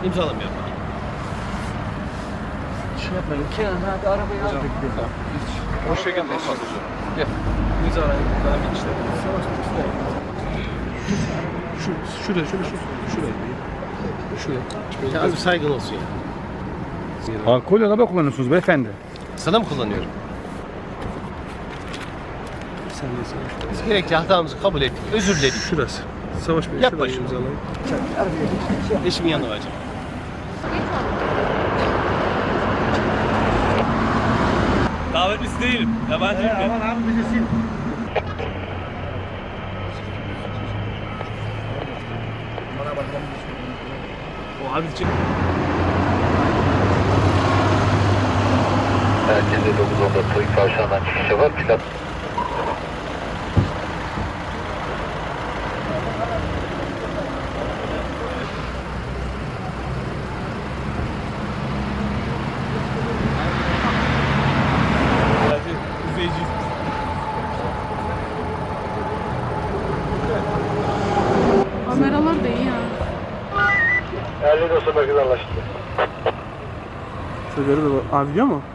İmzalamıyorum. Şey yapmayın. Kenan abi arabayı al. O şekilde çalışıyorum. Gel. İmzalayın. Ben bir işte. Şuraya. Şuraya. Az bir saygın olsun ya. Alkol araba kullanıyorsunuz beyefendi. Sana mı kullanıyorum? Sen de savaş. Biz gerekli hatamızı kabul ettik. Özür diledik. Şurası. Savaş Bey. Yapma şurayı şunu. imzalayın. Eşimin yanına varacağım. Davetlisi değilim. Yabancı ülke. Aman abi bilirsin. O abi için. Merkezde 9.10'da Toyuk Kavşağı'ndan çıkışa var. Plat Üfeyici. Kameralar da iyi ya. 50 dostu merkez anlaşıldı. Şöyle de var. Abi biliyor mu?